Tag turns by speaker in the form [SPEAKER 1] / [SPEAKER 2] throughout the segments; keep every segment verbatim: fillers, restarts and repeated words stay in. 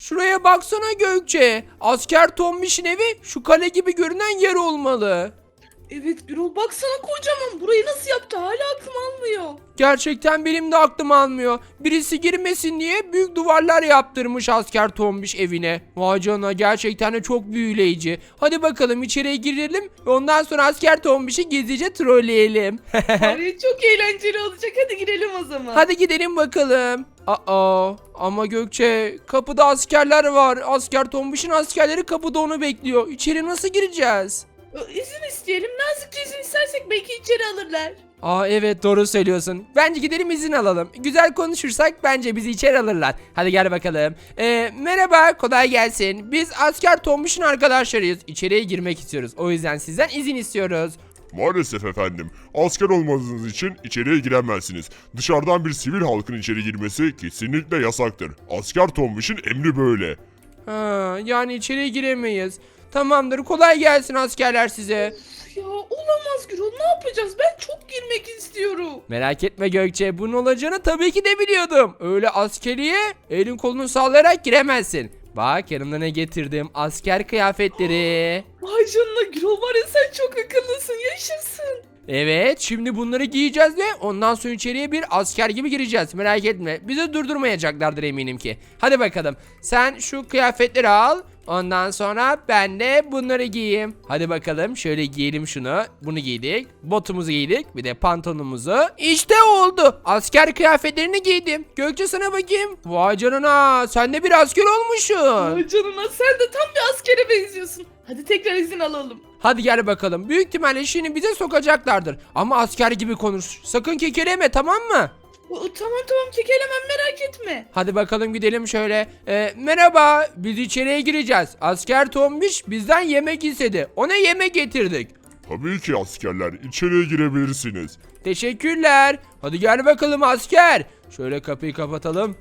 [SPEAKER 1] Şuraya baksana Gökçe. Asker Tombiş'in evi şu kale gibi görünen yer olmalı.
[SPEAKER 2] Evet Gürol, baksana kocaman. Burayı nasıl yaptı? Hala aklım almıyor.
[SPEAKER 1] Gerçekten benim de aklım almıyor. Birisi girmesin diye büyük duvarlar yaptırmış asker Tombiş evine. Vay canına, gerçekten de çok büyüleyici. Hadi bakalım içeriye girelim ve ondan sonra asker Tombiş'i gizlice trolleyelim.
[SPEAKER 2] Ay, çok eğlenceli olacak. Hadi girelim o zaman.
[SPEAKER 1] Hadi gidelim bakalım. Aa, ama Gökçe, kapıda askerler var. Asker Tombiş'in askerleri kapıda onu bekliyor. İçeri nasıl gireceğiz?
[SPEAKER 2] İzin isteyelim. Nazikçe izin istersek belki içeri alırlar.
[SPEAKER 1] Aa, evet, doğru söylüyorsun. Bence gidelim izin alalım. Güzel konuşursak bence bizi içeri alırlar. Hadi gel bakalım. Ee, merhaba, kolay gelsin. Biz asker Tombiş'in arkadaşlarıyız. İçeriye girmek istiyoruz. O yüzden sizden izin istiyoruz.
[SPEAKER 3] Maalesef efendim. Asker olmadığınız için içeriye giremezsiniz. Dışarıdan bir sivil halkın içeri girmesi kesinlikle yasaktır. Asker Tombiş'in emri böyle.
[SPEAKER 1] Ha, yani içeriye giremeyiz. Tamamdır, kolay gelsin askerler size.
[SPEAKER 2] Ya olamaz Gürol. Ne yapacağız? Ben çok girmek istiyorum.
[SPEAKER 1] Merak etme Gökçe, bunun olacağını tabii ki de biliyordum. Öyle askeriye elin kolunu sallayarak giremezsin. Bak, yanımda ne getirdim, asker kıyafetleri.
[SPEAKER 2] Vay canına Gürol, var ya sen çok akıllısın. Yaşasın.
[SPEAKER 1] Evet, şimdi bunları giyeceğiz ve ondan sonra içeriye bir asker gibi gireceğiz. Merak etme, bizi durdurmayacaklardır eminim ki. Hadi bakalım, sen şu kıyafetleri al. Ondan sonra ben de bunları giyeyim. Hadi bakalım, şöyle giyelim şunu. Bunu giydik. Botumuzu giydik. Bir de pantolonumuzu. İşte oldu. Asker kıyafetlerini giydim. Gökçe, sana bakayım. Vay canına, sen de bir asker olmuşsun.
[SPEAKER 2] Vay canına, sen de tam bir askere benziyorsun. Hadi tekrar izin alalım.
[SPEAKER 1] Hadi gel bakalım. Büyük ihtimalle şimdi bize sokacaklardır. Ama asker gibi konuş. Sakın kekeleme, tamam mı?
[SPEAKER 2] O, tamam tamam, kekelemem, merak etme.
[SPEAKER 1] Hadi bakalım gidelim şöyle. Ee, merhaba, biz içeriye gireceğiz. Asker Tombiş bizden yemek istedi. Ona yemek getirdik.
[SPEAKER 3] Tabii ki askerler, içeriye girebilirsiniz.
[SPEAKER 1] Teşekkürler. Hadi gel bakalım asker. Şöyle kapıyı kapatalım.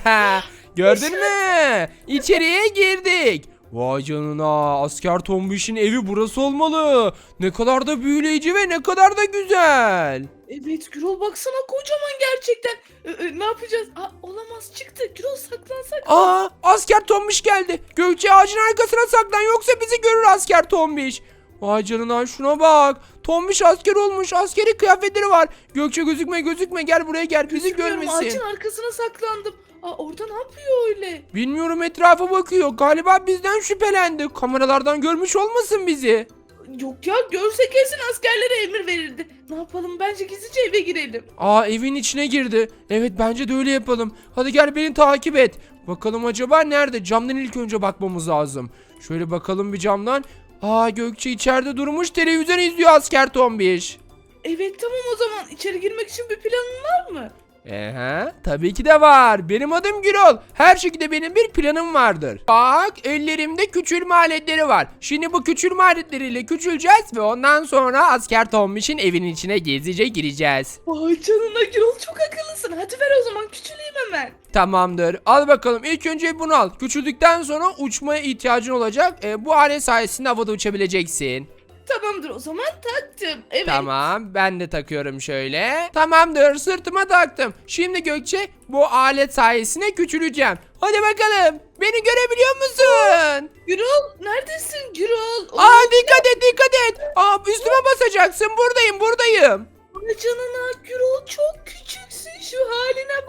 [SPEAKER 1] Gördün mü? İçeriye girdik. Vay canına, asker Tombiş'in evi burası olmalı. Ne kadar da büyüleyici ve ne kadar da güzel.
[SPEAKER 2] Evet Gürol, baksana kocaman gerçekten. Ee, e, ne yapacağız? Aa, olamaz, çıktı. Gürol, saklansak.
[SPEAKER 1] Aa, asker Tombiş geldi. Gökçe, ağacın arkasına saklan, yoksa bizi görür asker Tombiş. Vay canına, şuna bak. Tombiş asker olmuş. Askeri kıyafetleri var. Gökçe, gözükme gözükme, gel buraya gel, bizi
[SPEAKER 2] Bilmiyorum,
[SPEAKER 1] görmesin.
[SPEAKER 2] ağacın arkasına saklandım. Aa, orada ne yapıyor öyle?
[SPEAKER 1] Bilmiyorum, etrafa bakıyor. Galiba bizden şüphelendi. Kameralardan görmüş olmasın bizi.
[SPEAKER 2] Yok ya, görse kesin askerlere emir verirdi. Ne yapalım, bence gizlice eve girelim.
[SPEAKER 1] Aa, evin içine girdi. Evet, bence de öyle yapalım. Hadi gel, beni takip et. Bakalım acaba nerede? Camdan ilk önce bakmamız lazım. Şöyle bakalım bir camdan. Aa, Gökçe içeride durmuş televizyon izliyor asker Tombiş.
[SPEAKER 2] Evet tamam, o zaman içeri girmek için bir planın var mı?
[SPEAKER 1] Ehe, tabii ki de var. Benim adım Gürol. Her şekilde benim bir planım vardır. Bak, ellerimde küçülme aletleri var. Şimdi bu küçülme aletleriyle küçüleceğiz ve ondan sonra asker Tombiş'in evinin içine gizlice gireceğiz.
[SPEAKER 2] Vay canına Gürol, çok akıllısın. Hadi ver o zaman, küçüleyim hemen.
[SPEAKER 1] Tamamdır. Al bakalım. İlk önce bunu al. Küçüldükten sonra uçmaya ihtiyacın olacak. E, bu alet sayesinde havada uçabileceksin.
[SPEAKER 2] Tamamdır, o zaman taktım. Evet.
[SPEAKER 1] Tamam, ben de takıyorum şöyle. Tamamdır, sırtıma taktım. Şimdi Gökçe, bu alet sayesinde küçüleceğim. Hadi bakalım, beni görebiliyor musun?
[SPEAKER 2] Gürol, neredesin Gürol?
[SPEAKER 1] Aa, dikkat et, dikkat et. Aa, üstüme basacaksın. Buradayım, buradayım.
[SPEAKER 2] Vay canına Gürol, çok küçüksün, şu haline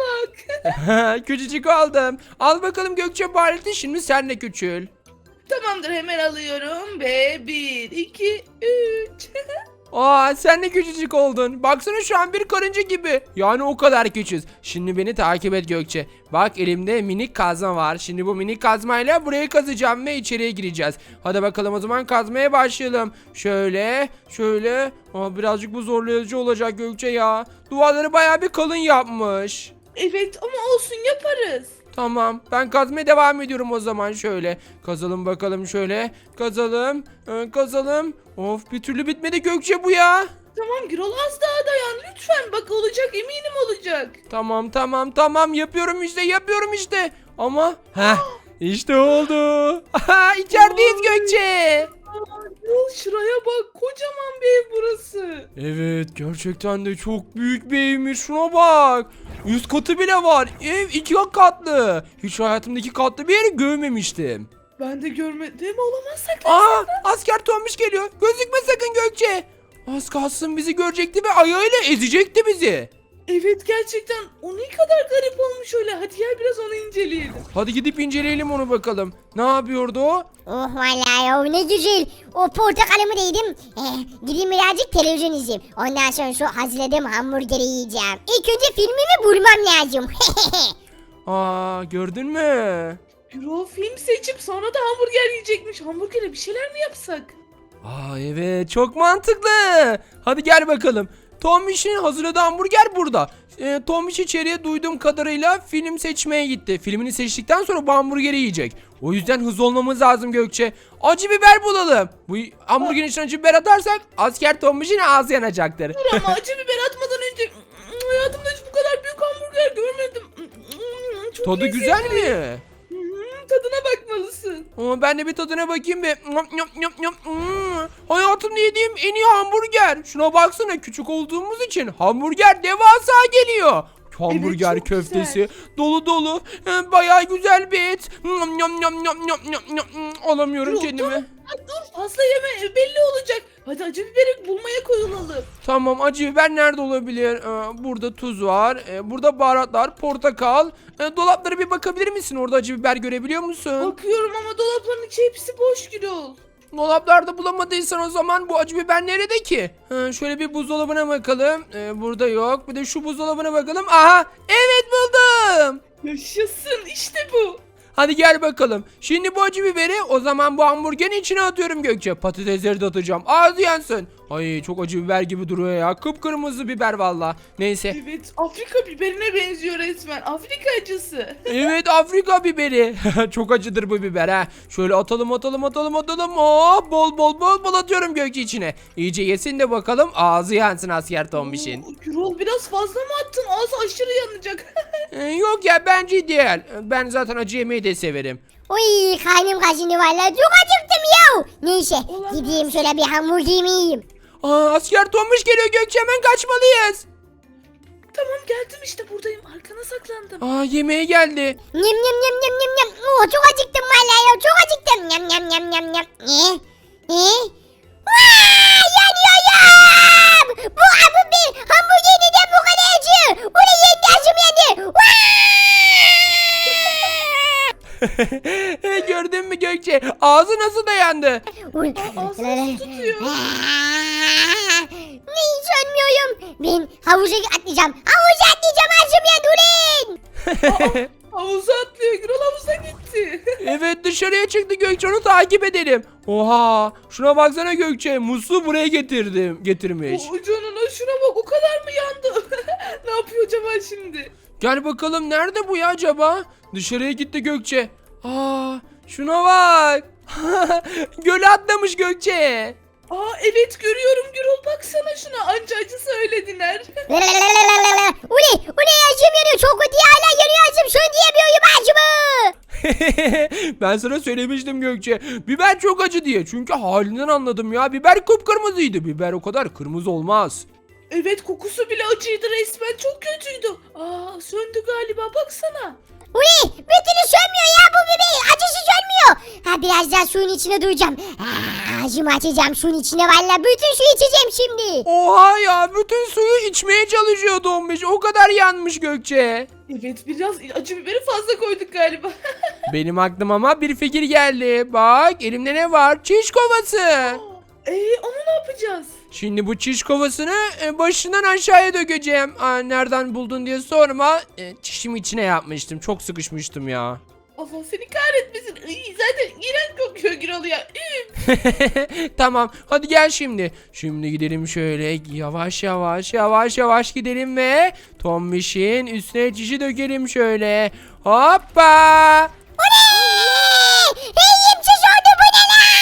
[SPEAKER 2] bak.
[SPEAKER 1] Küçücük oldum. Al bakalım Gökçe bu aleti, şimdi sen de küçül.
[SPEAKER 2] Tamamdır, hemen alıyorum ve bir, iki, üç.
[SPEAKER 1] Aa, sen de küçücük oldun. Baksana, şu an bir karınca gibi. Yani o kadar küçüğüz. Şimdi beni takip et Gökçe. Bak, elimde minik kazma var. Şimdi bu minik kazmayla burayı kazacağım ve içeriye gireceğiz. Hadi bakalım, o zaman kazmaya başlayalım. Şöyle, şöyle. Aa, birazcık bu zorlayıcı olacak Gökçe ya. Duvarları bayağı bir kalın yapmış.
[SPEAKER 2] Evet ama olsun, yaparız.
[SPEAKER 1] Tamam, ben kazmaya devam ediyorum o zaman. Şöyle kazalım bakalım, şöyle kazalım, ee, kazalım. Of, bir türlü bitmedi Gökçe bu ya.
[SPEAKER 2] Tamam Gürol, az daha dayan lütfen, bak olacak, eminim olacak.
[SPEAKER 1] Tamam tamam tamam, yapıyorum işte, yapıyorum işte. Ama heh, işte oldu. Aha, içerideyiz Gökçe.
[SPEAKER 2] Aa, Gürol şuraya bak. Kocaman bir ev burası.
[SPEAKER 1] Evet, gerçekten de çok büyük bir evmiş. Şuna bak. Üst katı bile var. Ev iki katlı. Hiç hayatımda iki katlı bir yeri görmemiştim.
[SPEAKER 2] Ben de görmedim. Olamaz saklan.
[SPEAKER 1] Aa, asker Tombiş geliyor. Gözükme sakın Gökçe. Az kalsın bizi görecekti ve ayağıyla ezecekti bizi.
[SPEAKER 2] Evet gerçekten o ne kadar garip olmuş öyle. Hadi gel biraz onu inceleyelim.
[SPEAKER 1] Hadi gidip inceleyelim onu bakalım. Ne yapıyordu o?
[SPEAKER 4] Oh vallahi ya ne güzel. O portakalımı da yedim. Eh, gideyim birazcık televizyon izleyeyim. Ondan sonra şu hazırladığım hamburgeri yiyeceğim. İlk önce filmimi bulmam lazım.
[SPEAKER 1] Aa, gördün mü?
[SPEAKER 2] Gürol film seçip sonra da hamburger yiyecekmiş. Hamburgere bir şeyler mi yapsak?
[SPEAKER 1] Aa, evet, çok mantıklı. Hadi gel bakalım. Tombiş'in hazırladığı hamburger burada. E, Tombiş içeriye duyduğum kadarıyla film seçmeye gitti. Filmini seçtikten sonra bu hamburgeri yiyecek. O yüzden hızlı olmamız lazım Gökçe. Acı biber bulalım. Bu hamburgerin içine acı biber atarsak asker Tombiş'in ağzı yanacaktır.
[SPEAKER 2] Dur ama acı biber atmadan önce hayatımda hiç bu kadar büyük hamburger görmedim. Çok
[SPEAKER 1] Tadı
[SPEAKER 2] lezzetli.
[SPEAKER 1] güzel mi?
[SPEAKER 2] Hmm, tadına bakmalısın.
[SPEAKER 1] Ama ben de bir tadına bakayım bir. Nyam, nyam, nyam, nyam. Hmm, hayatımda yediğim en iyi hamburger. Şuna baksana, küçük olduğumuz için hamburger devasa geliyor. Hamburger
[SPEAKER 2] çok
[SPEAKER 1] köftesi
[SPEAKER 2] güzel.
[SPEAKER 1] dolu dolu. Ee, bayağı güzel bir et. Nyam, nyam, nyam, nyam, nyam, nyam, nyam. Hmm, alamıyorum
[SPEAKER 2] Dur,
[SPEAKER 1] kendimi.
[SPEAKER 2] Ha, dur fazla yeme belli olacak. Hadi acı biberi bulmaya koyulalım.
[SPEAKER 1] Tamam, acı biber nerede olabilir? Ee, burada tuz var. Ee, burada baharatlar, portakal. Ee, dolaplara bir bakabilir misin? Orada acı biber görebiliyor musun?
[SPEAKER 2] Bakıyorum ama dolapların içi hepsi boş Gürol.
[SPEAKER 1] Dolaplarda bulamadıysan o zaman bu acı biber nerede ki? Ha, şöyle bir buzdolabına bakalım. Ee, burada yok. Bir de şu buzdolabına bakalım. Aha! Evet, buldum.
[SPEAKER 2] Yaşasın işte bu.
[SPEAKER 1] Hadi gel bakalım. Şimdi bu acı biberi o zaman bu hamburgerin içine atıyorum Gökçe. Patatesleri de atacağım. Ağzı yansın. Ay, çok acı biber gibi duruyor ya. Kıpkırmızı biber valla. Neyse.
[SPEAKER 2] Evet Afrika biberine benziyor resmen. Afrika acısı.
[SPEAKER 1] Evet, Afrika biberi. Çok acıdır bu biber ha. Şöyle atalım atalım atalım atalım. Oh, bol bol bol bol atıyorum Gökçe içine. İyice yesin de bakalım ağzı yansın asker Tombiş'in.
[SPEAKER 2] Oo, Gürol biraz fazla mı attın? Ağzı aşırı yanacak.
[SPEAKER 1] Ee, yok ya, bence değil. Ben zaten acı yemeyi de severim.
[SPEAKER 4] Uy karnım kaşındı vallahi çok acıktım ya. Neyse
[SPEAKER 2] Olamaz.
[SPEAKER 4] gideyim şöyle bir hamburgerimi yiyeyim.
[SPEAKER 1] Aa, asker Tombiş geliyor Gökçe, hemen kaçmalıyız.
[SPEAKER 2] Tamam geldim işte buradayım. Arkana saklandım.
[SPEAKER 1] Aa, yemeğe geldi.
[SPEAKER 4] Nyam nyam nyam nyam nyam nyam. Oh, çok acıktım vallahi ya çok acıktım. Nyam nyam nyam nyam nyam. Ne? Ne? Vaa, yanıyorum. Bu bu bir hamburger neden bu kadar acı? O ne yendi acım yendi. Vaa!
[SPEAKER 1] Gördün mü Gökçe? Ağzı nasıl dayandı?
[SPEAKER 4] Uy.
[SPEAKER 2] Ağzını su tutuyor.
[SPEAKER 4] Aa, ne hiç ölmüyorum. Ben havuza atlayacağım. Havuza atlayacağım acım ya durun.
[SPEAKER 2] Havuza atlıyor. Gürol havuza gitti.
[SPEAKER 1] Evet, dışarıya çıktı Gökçe, onu takip edelim. Oha, şuna baksana Gökçe, musluğu buraya getirdim getirmiş.
[SPEAKER 2] O canına şuna bak o kadar mı yandı? Ne yapıyor acaba şimdi?
[SPEAKER 1] Gel bakalım, nerede bu ya acaba? Dışarıya gitti Gökçe. Aa, şuna bak. Göle atlamış Gökçe.
[SPEAKER 2] Aa evet görüyorum Gürol baksana şuna anca acı söylediler.
[SPEAKER 4] Uli, uli acım yanıyor. Çok kötü hala yanıyor acım. Şunu diyemiyorum acımı.
[SPEAKER 1] Ben sana söylemiştim Gökçe. Biber çok acı diye. Çünkü halinden anladım ya. Biber kıpkırmızıydı. Biber o kadar kırmızı olmaz.
[SPEAKER 2] Evet kokusu bile acıydı resmen çok kötüydü. Aa söndü galiba baksana.
[SPEAKER 4] Uli, bütünü sönmüyor ya bu bebeği. Acısı sönmüyor. Ha biraz daha suyun içine duracağım. Aa, acımı açacağım suyun içine valla. Bütün suyu içeceğim şimdi.
[SPEAKER 1] Oha ya, bütün suyu içmeye çalışıyor Tombiş. O kadar yanmış Gökçe.
[SPEAKER 2] Evet biraz acı biberi fazla koyduk galiba.
[SPEAKER 1] Benim aklıma ama bir fikir geldi. Bak, elimde ne var? Çiş kovası.
[SPEAKER 2] Eee onu ne yapacağız?
[SPEAKER 1] Şimdi bu çiş kovasını e, başından aşağıya dökeceğim. Aa, nereden buldun diye sorma. E, çişimi içine yapmıştım. Çok sıkışmıştım ya.
[SPEAKER 2] Allah seni kahretmesin. Iy, zaten iğrenç kokuyor Gürol ya. Üf.
[SPEAKER 1] Tamam, hadi gel şimdi. Şimdi gidelim şöyle yavaş yavaş yavaş yavaş gidelim ve Tombiş'in üstüne çişi dökelim şöyle. Hoppa!
[SPEAKER 4] Uli! Reyim çiş oldu bu ne la?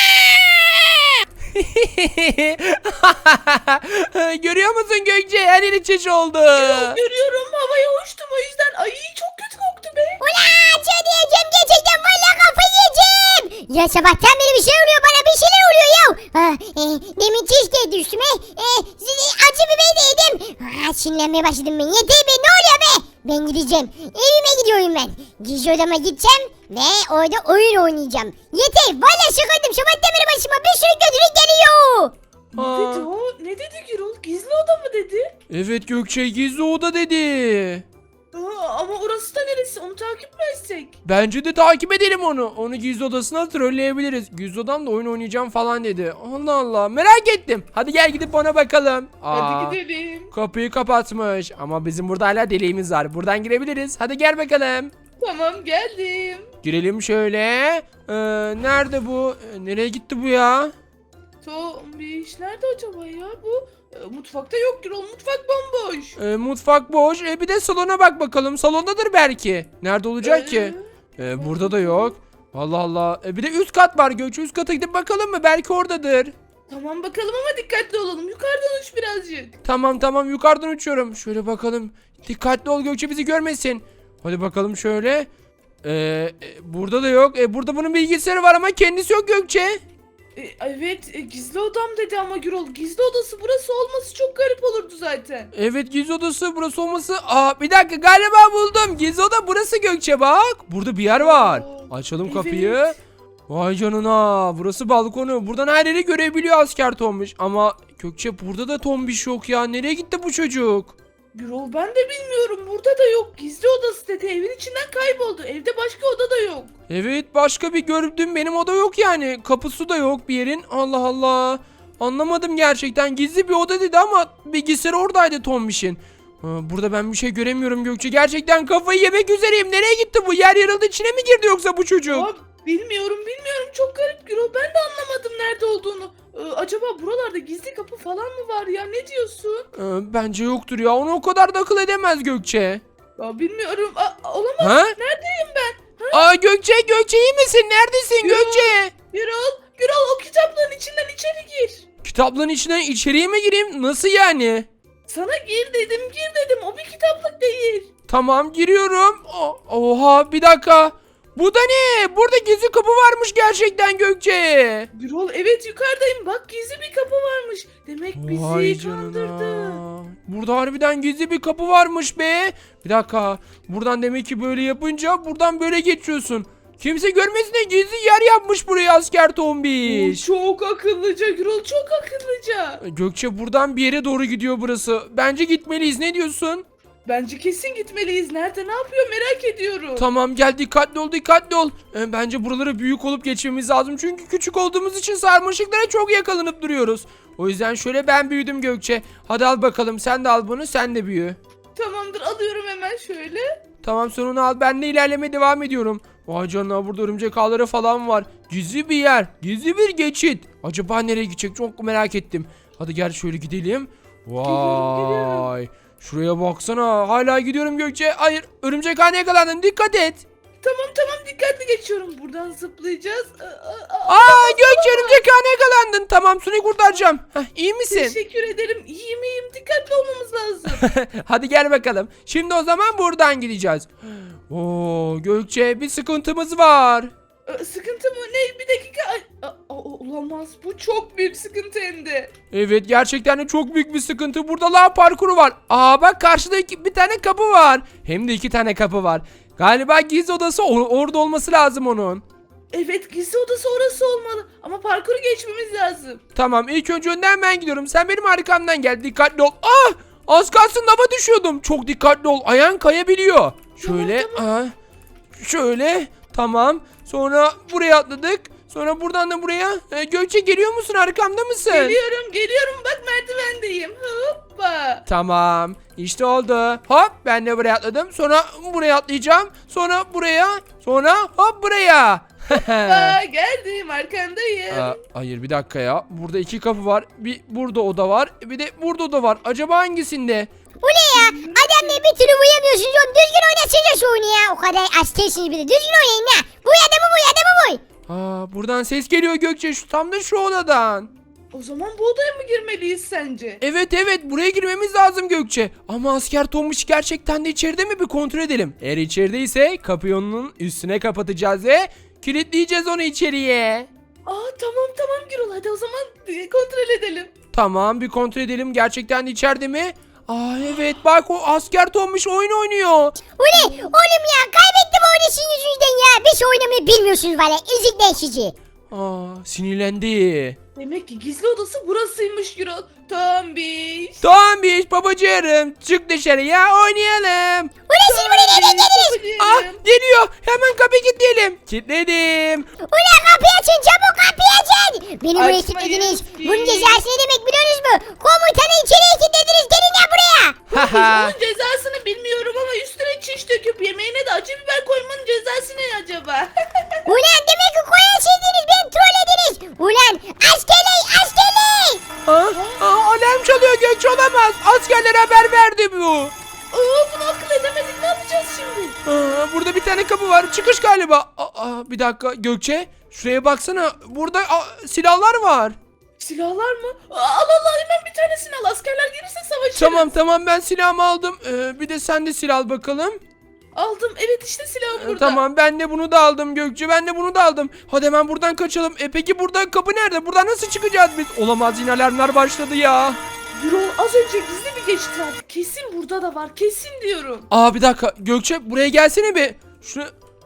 [SPEAKER 1] Görüyor musun Gökçe? Her yeri çiş oldu.
[SPEAKER 2] Görüyorum havaya uçtum o yüzden. Ay çok kötü koktu be.
[SPEAKER 4] Ula çöl diyeceğim gerçekten valla kafayı yiyeceğim. Ya sabahtan beri bir şey oluyor bana bir şeyler oluyor ya. Ah, e, demin çiş de düştüm. E, e, acı biber de yedim. Ah, sinirlenmeye başladım ben. Yeter be, ne oluyor be? Ben gideceğim. Evime gidiyorum ben. Gizli odama gideceğim ve orada oyun oynayacağım. Yeter. Valla şakadım. Şabat demir başıma bir sürü kötülük geliyor.
[SPEAKER 2] Ne
[SPEAKER 1] Aa.
[SPEAKER 2] dedi o? Ne dedi Gürol? Gizli oda mı dedi?
[SPEAKER 1] Evet Gökçe, gizli oda dedi.
[SPEAKER 2] Aa, ama orası da neresi? Onu takip mi etsek?
[SPEAKER 1] Bence de takip edelim onu. Onu gizli odasına trolleyebiliriz. Gizli odamda oyun oynayacağım falan dedi. Allah Allah, merak ettim. Hadi gel gidip ona bakalım. Aa,
[SPEAKER 2] Hadi gidelim.
[SPEAKER 1] kapıyı kapatmış. Ama bizim burada hala deliğimiz var. Buradan girebiliriz. Hadi gel bakalım.
[SPEAKER 2] Tamam, geldim.
[SPEAKER 1] Girelim şöyle. Ee, nerede bu? Ee, nereye gitti bu ya?
[SPEAKER 2] Tombiş nerede acaba ya bu? E, mutfakta yok Gürol. Mutfak bomboş.
[SPEAKER 1] Ee, mutfak boş. Ee, bir de salona bak bakalım. Salondadır belki. Nerede olacak ki?
[SPEAKER 2] Ee,
[SPEAKER 1] Ee, burada da yok. Allah Allah. Ee, bir de üst kat var Gökçe. Üst kata gidip bakalım mı? Belki oradadır.
[SPEAKER 2] Tamam bakalım ama dikkatli olalım. Yukarıdan uç birazcık.
[SPEAKER 1] Tamam tamam, yukarıdan uçuyorum. Şöyle bakalım. Dikkatli ol Gökçe, bizi görmesin. Hadi bakalım şöyle. Ee, e, burada da yok. Ee, burada bunun bilgisayarı var ama kendisi yok Gökçe.
[SPEAKER 2] E, evet e, gizli odam dedi ama Gürol. Gizli odası burası olması çok garip olurdu zaten.
[SPEAKER 1] Evet, gizli odası burası olması. Aa, bir dakika, galiba buldum. Gizli oda burası Gökçe, bak. Burada bir yer var.
[SPEAKER 2] Aa,
[SPEAKER 1] Açalım
[SPEAKER 2] evet.
[SPEAKER 1] kapıyı. Vay canına, burası balkonu. Buradan her yeri görebiliyor asker Tombiş. Ama Gökçe, burada da Tombiş yok ya. Nereye gitti bu çocuk?
[SPEAKER 2] Gürol ben de bilmiyorum. Burada da yok. Gizli odası dedi. Evin içinden kayboldu. Evde başka oda da yok.
[SPEAKER 1] Evet, başka bir gördüğüm benim oda yok yani. Kapısı da yok bir yerin. Allah Allah. Anlamadım gerçekten. Gizli bir oda dedi ama bilgisayar oradaydı Tombiş'in. Ha, burada ben bir şey göremiyorum Gökçe. Gerçekten kafayı yemek üzereyim. Nereye gitti bu? Yer yarıldı, içine mi girdi yoksa bu çocuk?
[SPEAKER 2] Aa, bilmiyorum bilmiyorum. Çok garip Gürol. Ben de anlamadım nerede olduğunu. Ee, acaba buralarda gizli kapı falan mı var ya? Ne diyorsun?
[SPEAKER 1] Ee, bence yoktur ya. Onu o kadar da akıl edemez Gökçe.
[SPEAKER 2] Ya bilmiyorum. Aa, olamaz.
[SPEAKER 1] Ha?
[SPEAKER 2] Neredeyim ben?
[SPEAKER 1] Aa, Gökçe, Gökçe iyi misin? Neredesin
[SPEAKER 2] Gürol.
[SPEAKER 1] Gökçe?
[SPEAKER 2] Gürol, Gürol o kitaplığın içinden içeri gir.
[SPEAKER 1] Kitaplığın içine içeriye mi gireyim? Nasıl yani?
[SPEAKER 2] Sana gir dedim, gir dedim. O bir kitaplık değil.
[SPEAKER 1] Tamam, giriyorum. O- Oha, bir dakika. Bu da ne? Burada gizli kapı varmış gerçekten Gökçe.
[SPEAKER 2] Gürol evet yukarıdayım. Bak gizli bir kapı varmış. Demek
[SPEAKER 1] Vay
[SPEAKER 2] bizi
[SPEAKER 1] canına.
[SPEAKER 2] kandırdı.
[SPEAKER 1] Burada harbiden gizli bir kapı varmış be. Bir dakika. Buradan demek ki böyle yapınca buradan böyle geçiyorsun. Kimse görmesin diye gizli yer yapmış buraya asker
[SPEAKER 2] Oo,
[SPEAKER 1] Tombiş.
[SPEAKER 2] çok akıllıca Gürol, çok akıllıca.
[SPEAKER 1] Gökçe, buradan bir yere doğru gidiyor burası. Bence gitmeliyiz. Ne diyorsun?
[SPEAKER 2] Bence kesin gitmeliyiz. Nerede, ne yapıyor merak ediyorum.
[SPEAKER 1] Tamam, gel, dikkatli ol, dikkatli ol. Ee, bence buraları büyük olup geçmemiz lazım. Çünkü küçük olduğumuz için sarmaşıklara çok yakalanıp duruyoruz. O yüzden şöyle ben büyüdüm Gökçe. Hadi al bakalım, sen de al bunu, sen de büyü.
[SPEAKER 2] Tamamdır, alıyorum hemen şöyle.
[SPEAKER 1] Tamam, sen onu al, ben de ilerlemeye devam ediyorum. Vay canına, burada örümcek ağları falan var. Gizli bir yer, gizli bir geçit. Acaba nereye gidecek, çok merak ettim. Hadi gel şöyle gidelim.
[SPEAKER 2] Geliyorum,
[SPEAKER 1] Vay. Şuraya baksana, hala gidiyorum Gökçe. Hayır, örümcek ağına yakalandın, dikkat et.
[SPEAKER 2] Tamam tamam dikkatli geçiyorum. Buradan zıplayacağız. Aa, aa, aa.
[SPEAKER 1] Aa, Gökçe, örümcek ağına yakalandın. Tamam, Suni kurtaracağım. Heh, iyi misin?
[SPEAKER 2] Teşekkür ederim. İyiyim iyiyim. Dikkatli olmamız lazım.
[SPEAKER 1] Hadi gel bakalım. Şimdi o zaman buradan gideceğiz. Oo, Gökçe, bir sıkıntımız var.
[SPEAKER 2] Ee, sıkıntı mı? Ne? Bir dakika. Ay, aa, aa, olamaz. Bu çok büyük sıkıntı hem de.
[SPEAKER 1] Evet, gerçekten de çok büyük bir sıkıntı. Burada lav parkuru var. Aa, bak, karşıda iki, bir tane kapı var. Hem de iki tane kapı var. Galiba gizli odası or- orada olması lazım onun.
[SPEAKER 2] Evet gizli odası orası olmalı. Ama parkuru geçmemiz lazım.
[SPEAKER 1] Tamam, ilk önce önden ben gidiyorum. Sen benim arkamdan gel. Dikkatli ol. Ah! Az kalsın lava düşüyordum. Çok dikkatli ol. Ayağın kayabiliyor. Şöyle. Aa, şöyle. Tamam. Sonra buraya atladık. Sonra buradan da buraya. Ee, Gökçe, geliyor musun? Arkamda mısın?
[SPEAKER 2] Geliyorum geliyorum. Bak merdivendeyim. Hoppa.
[SPEAKER 1] Tamam. İşte oldu. Hop, ben de buraya atladım. Sonra buraya atlayacağım. Sonra buraya. Sonra hop buraya.
[SPEAKER 2] Aa, geldim arkandayım.
[SPEAKER 1] Aa, hayır, bir dakika ya. Burada iki kapı var. Bir burada oda var. Bir de burada oda var. Acaba hangisinde?
[SPEAKER 4] Bu ne ya? Adam ne bir türlü uyamıyorsunuz oğlum. Düzgün oynasınca şu oyunu ya. O kadar açtıysınız bir de. Düzgün oynayın ha. Bu adamı bu adamı bu.
[SPEAKER 1] Aa, buradan ses geliyor Gökçe. Şu, tam da şu odadan.
[SPEAKER 2] O zaman bu odaya mı girmeliyiz sence?
[SPEAKER 1] Evet evet, buraya girmemiz lazım Gökçe. Ama asker Tomuş gerçekten de içeride mi, bir kontrol edelim. Eğer içerideyse kapıyı onun üstüne kapatacağız ve kilitleyeceğiz onu içeriye.
[SPEAKER 2] Aa tamam tamam Gürol, hadi o zaman e, kontrol edelim.
[SPEAKER 1] Tamam, bir kontrol edelim. Gerçekten de içeride mi? Aa evet, bak o asker Tombiş oyun oynuyor.
[SPEAKER 4] Ule oğlum ya kaybettim oyunu sizin yüzünüzden ya. Bir şey oynamayı bilmiyorsunuz valla. Ezikler sizi.
[SPEAKER 1] Aa sinirlendi.
[SPEAKER 2] Demek ki gizli odası burasıymış Gürol. Tombiş.
[SPEAKER 1] Tombiş babacığım, çık dışarıya oynayalım.
[SPEAKER 4] Ule siz buraya nereden geldiniz?
[SPEAKER 1] Ah geliyor, hemen kapıyı kilitleyelim. Kilitledim.
[SPEAKER 4] Ule kapıyı açın çabuk kapıyı açın. Beni buraya
[SPEAKER 2] Açmayız
[SPEAKER 4] kilitlediniz.
[SPEAKER 2] ki.
[SPEAKER 4] Bunun cezası ne demek biliyorsunuz mu? Komutanı içeriye kilitlediniz. Gelin ya buraya.
[SPEAKER 1] Haha.
[SPEAKER 2] Onun cezasını bilmiyorum ama üstüne çiş döküp yemeğine de acı biber koymanın cezası ne acaba?
[SPEAKER 4] Ulan demek ki koyarsıydınız beni trollediniz. Ulan askerler askerler.
[SPEAKER 1] Aa, aa, alarm çalıyor Gökçe, olamaz. Askerlere haber verdi bu.
[SPEAKER 2] Aa, bunu akıl edemedik, ne yapacağız şimdi?
[SPEAKER 1] Aa, burada bir tane kapı var. Çıkış galiba. Aa, bir dakika Gökçe. Şuraya baksana. Burada aa, silahlar var.
[SPEAKER 2] Silahlar mı? Aa, al al al, hemen bir tanesini al, askerler gelirse savaşırız.
[SPEAKER 1] Tamam tamam, ben silahımı aldım. Ee, bir de sen de silah al bakalım.
[SPEAKER 2] Aldım, evet işte silahım
[SPEAKER 1] Ee,
[SPEAKER 2] burada.
[SPEAKER 1] Tamam, ben de bunu da aldım Gökçe. Ben de bunu da aldım. Hadi hemen buradan kaçalım. E peki burada kapı nerede? Buradan nasıl çıkacağız biz? Olamaz, yine alarmlar başladı ya.
[SPEAKER 2] Gürol az önce gizli bir geçit vardı. Kesin burada da var, kesin diyorum.
[SPEAKER 1] Aa bir dakika Gökçe, buraya gelsene bir. Şunu...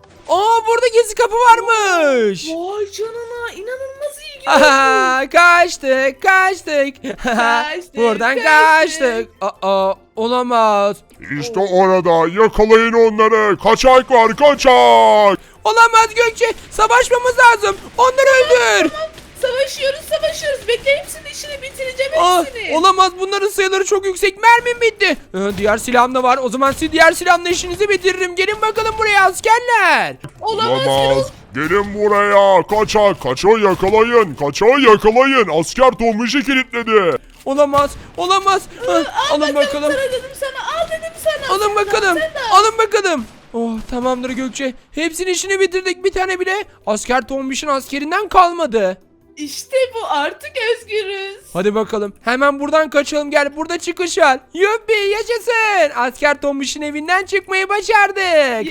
[SPEAKER 1] Aa burada gizli kapı varmış.
[SPEAKER 2] Vay canına, inanılmaz iyi Gürol.
[SPEAKER 1] Aha, kaçtık kaçtık.
[SPEAKER 2] Kaçtık,
[SPEAKER 1] Buradan
[SPEAKER 2] kaçtık.
[SPEAKER 1] kaçtık. Aa olamaz.
[SPEAKER 3] İşte orada yakalayın onları. Kaçak var kaçak.
[SPEAKER 1] Olamaz Gökçe, savaşmamız lazım. Onları öldür.
[SPEAKER 2] Savaşıyoruz savaşıyoruz. Bekle, hepsinin işini bitireceğim
[SPEAKER 1] Aa,
[SPEAKER 2] hepsini.
[SPEAKER 1] olamaz, bunların sayıları çok yüksek. Mermim bitti. Ee, diğer silahım da var. O zaman siz diğer silahımla işinizi bitiririm. Gelin bakalım buraya askerler.
[SPEAKER 2] Olamaz Gürol.
[SPEAKER 3] Olamaz. Gelin buraya. Kaçak. Kaçağı yakalayın. Kaçağı yakalayın. Asker Tombiş'i kilitledi.
[SPEAKER 1] Olamaz. Olamaz. Ah, alın bakalım.
[SPEAKER 2] Sana dedim sana, al dedim sana.
[SPEAKER 1] Alın
[SPEAKER 2] Sen de al,
[SPEAKER 1] bakalım.
[SPEAKER 2] sen de al.
[SPEAKER 1] Alın bakalım. Oh tamamdır Gökçe. Hepsinin işini bitirdik. Bir tane bile asker Tombiş'in askerinden kalmadı.
[SPEAKER 2] İşte bu, artık özgürüz.
[SPEAKER 1] Hadi bakalım. Hemen buradan kaçalım. Gel, burada çıkış var. Yuppi, yaşasın. Asker Tombiş'in evinden çıkmayı başardık.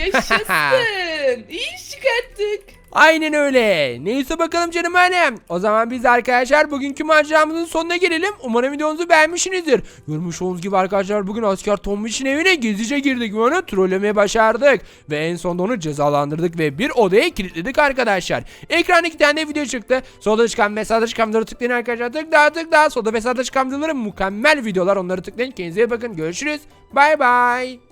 [SPEAKER 2] Yaşasın. İyi iş çıkarttık.
[SPEAKER 1] Aynen öyle. Neyse bakalım canım annem. O zaman biz arkadaşlar bugünkü maceramızın sonuna gelelim. Umarım videomuzu beğenmişsinizdir. Görmüş olduğunuz gibi arkadaşlar bugün asker Tombiş'in evine gizlice girdik ve onu trollemeye başardık. Ve en sonunda onu cezalandırdık ve bir odaya kilitledik arkadaşlar. Ekranda iki tane video çıktı. Solda çıkan ve sağda çıkan videoları tıklayın arkadaşlar. Tıkla tıkla. Solda ve sağda çıkan videoları mükemmel videolar. Onları tıklayın. Kendinize iyi bakın. Görüşürüz. Bay bay.